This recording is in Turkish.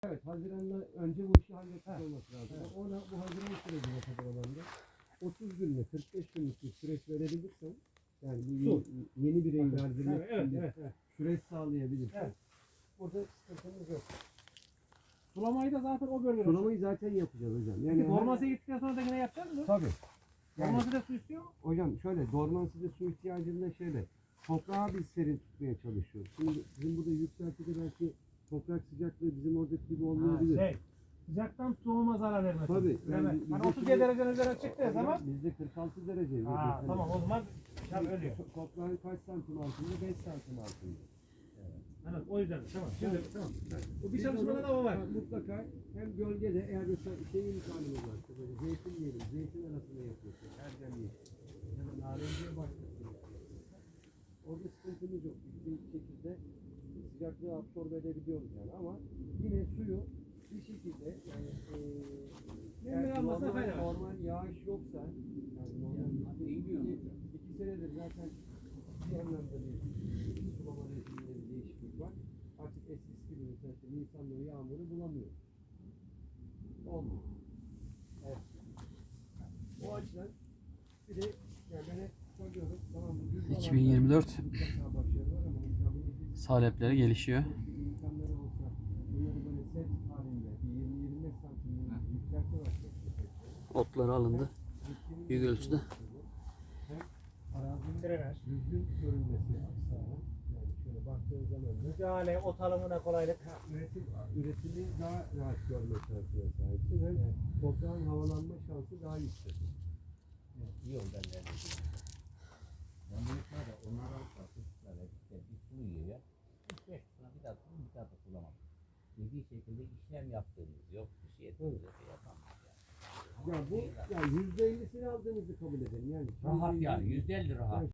Evet, Haziran'da önce bu işi halletmiş olması lazım. Ona bu Haziran sürecine kadar olan da 30 günle 45 günlük bir süreç verebilirsen, yani bu yeni bireyi verdirmek için bir süreç sağlayabilirsen, orada sıkıntımız yok. Sulamayı da zaten o bölgede. Sulamayı zaten yapacağız hocam. Yani dormansiye gittikten sonra da yine yapacağız mı? Tabii. Dormansiyede su istiyor mu? Hocam şöyle, dormansiyede su ihtiyacında şöyle, toprağı biz serin tutmaya çalışıyoruz. Şimdi bizim burada yükseltide belki toprak sıcaklığı bizim oradaki gibi olmayabilir. Sıcaktan tohuma zarar vermez. Tabii. Yani 37 derecenin üzerine çıktığı zaman. Bizde 46 derece. Tamam, o zaman ölüyor. Toprağın kaç santim altında? 5 santim altında. Evet, o yüzden tamam. Şimdi tamam. Bu bir çalışmada da o var. Mutlaka hem gölgede, eğer mesela şey imkanımız varsa, böyle zeytin diyelim, zeytin arasında yapıyorsun, erdem yeşil ya da narenciye başlıyorsun. Orada sıkıntımız yok. Bir şekilde sıcaklığı absorbe edebiliyoruz yani, ama yine suyu bir şekilde yani normal yağış yoksa, yani normal 2 senedir zaten bir anlamda bir sulama rejiminde bir değişiklik var. Artık eskisi gibi mesela Nisan'da yağmuru bulamıyor. Olmuyor. Evet. O açıdan bir de yani ben hep söylüyorum, tamam bu 2024 salepleri gelişiyor. İmkanları olsa bunları böyle set halinde 20-25 santim yükseltme Otları alındı. Büyük ölçüde. hem arazinin düzgün görünmesi açısından, yani şöyle baktığın zaman da Müdahale, ot alımına kolaylık. üretimi daha rahat görme şansına sahipsin. Hem toprağın havalanma şansı daha yüksek. İyi oldu ben de. Ben büyükler de onlar alsa çocuklara işte bir su yiyor ya. 3-5 sene bir daha da sulamam. Dediği şekilde işlem yaptığımız yok. Bir şey ettiğimiz yok. Yapamaz yani. Ya bu ya %50'sini aldığınızı kabul edelim yani. Rahat yani %50 rahat.